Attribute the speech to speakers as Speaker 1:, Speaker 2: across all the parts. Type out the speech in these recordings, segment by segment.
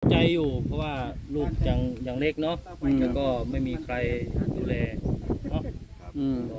Speaker 1: ใจอยู่เพราะว่าลูกยังเล็กเนาะแล้วก็ไม่มีใครดูแลเนาะ
Speaker 2: อืม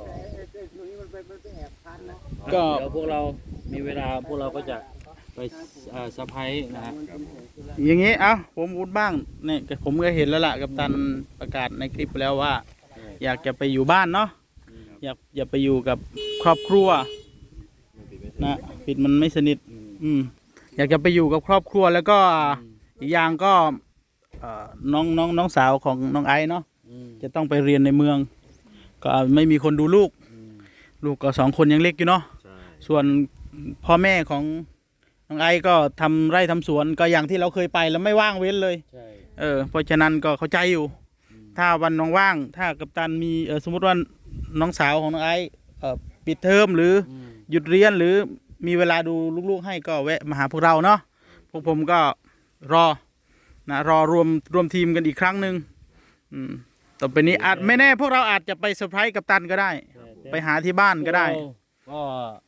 Speaker 1: ก็
Speaker 2: ก็
Speaker 1: เดี๋ยวพวกเรามีเวลาพวกเราก็จะไปสะพายนะฮะ
Speaker 2: อย่างงี้ผมพูดบ้างเนี่ยผมก็เห็นแล้วล่ะกัปตันประกาศในคลิปแล้วว่า อยากจะไปอยู่บ้านเนาะอยากไปอยู่กับครอบครัวนะปิดมันไม่สนิทอยากจะไปอยู่กับครอบครัวแล้วก็อีกอย่างก็น้องสาวของน้องไอซ์เนาะจะต้องไปเรียนในเมือง ก็ไม่มีคนดูลูกก็2 คนยังเล็กอยู่เนาะส่วนพ่อแม่ของน้องไอซ์ก็ทำไร่ทำสวนก็อย่างที่เราเคยไปแล้วไม่ว่างเว้นเลยเพราะฉะนั้นก็เข้าใจอยู่ถ้าวันว่างๆถ้ากัปตันมีสมมติว่าน้องสาวของน้องไอซ์ปิดเทอมหรือหยุดเรียนหรือมีเวลาดูลูกๆให้ก็แวะมาหาพวกเราเนาะพวกผมก็รอรวมทีมกันอีกครั้งหนึ่งต่อไปนี้อาจไม่แน่พวกเราอาจจะไปเซอร์ไพรส์กัปตันก็ได้ไปหาที่บ้านก็ได้
Speaker 1: ก็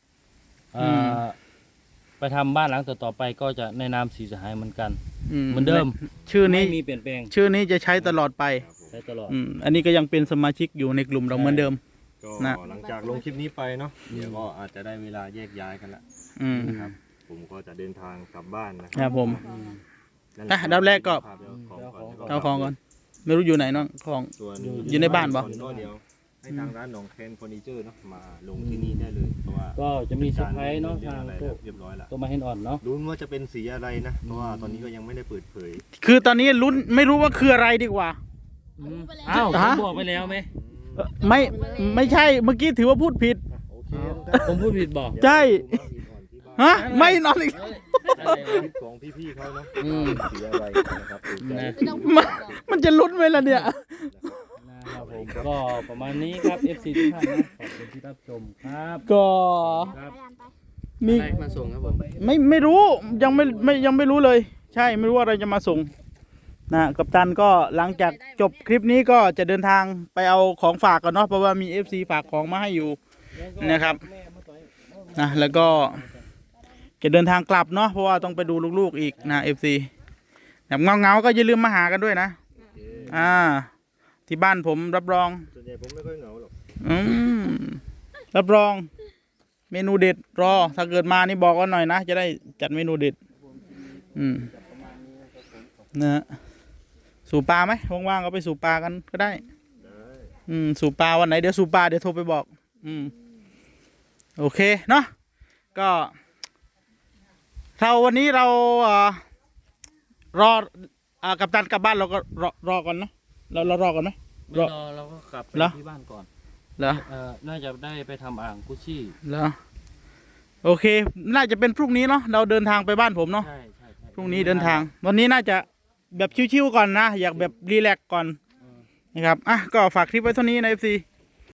Speaker 1: ไปทำบ้านหลังต่อไปก็จะในนามสีสหายเหมือนกันเหมือนเดิม
Speaker 2: ชื่อนี้
Speaker 1: ไม่มีเปลี่ยนแปลง
Speaker 2: ชื่อนี้จะใช้ตลอดไป
Speaker 1: ใช้ตลอด
Speaker 2: อันนี้ก็ยังเป็นสมาชิกอยู่ในกลุ่มเราเหมือนเดิม
Speaker 3: ก็หลังจากลงคลิปนี้ไปเนาะเดี๋ยวก็อาจจะได้เวลาแยกย้ายกันละนะครับผมก็จะเดินทางกลับบ้านนะครับ
Speaker 2: ผมดับแรกก็เอาของก่อนไม่รู้อยู่ไหนน้องของอยู่ในบ้านปะ
Speaker 3: เดี๋ยวให้ทางร้านหนองแคนเฟอร์นิเจอร์เนาะมาลงที่นี่ได้เลยเพราะว่า
Speaker 1: ก็จะมีเซอร์ไพรส์เนาะทาง
Speaker 3: เรียบร้อยแล้ว
Speaker 1: ตัวมาเห็นอ่อนเนาะ
Speaker 3: รู้ว่าจะเป็นสีอะไรนะเพราะว่าตอนนี้ก็ยังไม่ได้เปิดเผย
Speaker 2: คือตอนนี้ลุ้นไม่รู้ว่าคืออะไรดีกว่า
Speaker 1: อ้าวผมบอกไปแล้วไหม
Speaker 2: ไม่ใช่เมื่อกี้ถือว่าพูดผิด
Speaker 1: ผมพูดผิดบอก
Speaker 2: ใช่ไม่นอนอีก
Speaker 3: ของพี่ๆเขาเนาะสีอะไรนะครับ
Speaker 2: มันจะลุ้นไหมล่ะเนี่ย
Speaker 1: นะครับผมก็ประมาณนี้ครับ FC ทุกท่านนะขอบคุณที่รับชมครับ
Speaker 2: ก็มี
Speaker 1: มาส่งครับผม
Speaker 2: ไม่รู้ยังไม่รู้เลยใช่ไม่รู้ว่าอะไรจะมาส่งนะกัปตันก็หลังจากจบคลิปนี้ก็จะเดินทางไปเอาของฝากกันเนาะเพราะว่ามี FC ฝากของมาให้อยู่นะครับนะแล้วก็จะเดินทางกลับเนาะเพราะว่าต้องไปดูลูกๆอีกนะ FC แบบเงาก็อย่าลืมมาหากันด้วยนะที่บ้านผมรับรอง
Speaker 3: ส่วนใหญ่ผมไม่ค่อยเหงาหรอก
Speaker 2: รับรองเมนูเด็ดรอถ้าเกิดมานี่บอกกันหน่อยนะจะได้จัดเมนูเด็ดนะสู่ปลาไหมว่างๆก็ไปสู่ปลากันก็ได้สู่ปลาวันไหนเดี๋ยวสู่ปลาเดี๋ยวโทรไปบอกโอเคเนาะก็วันนี้เรารอกัปตันกลับบ้านเราก็รอก่อนนะเรารอก่อนไหม
Speaker 1: รอเราก็กลับไปที่บ้านก่อน
Speaker 2: เหรอ
Speaker 1: น่าจะได้ไปทำอ่างกุชชี่
Speaker 2: เหรอโอเคน่าจะเป็นพรุ่งนี้เนาะเราเดินทางไปบ้านผมเนาะ
Speaker 1: ใช่
Speaker 2: พรุ่งนี้เดินทางวันนี้น่าจะแบบชิวๆก่อนนะอยากแบบรีแลกซ์ก่อนนะครับก็ฝากคลิปไว้เท่านี้นะ FC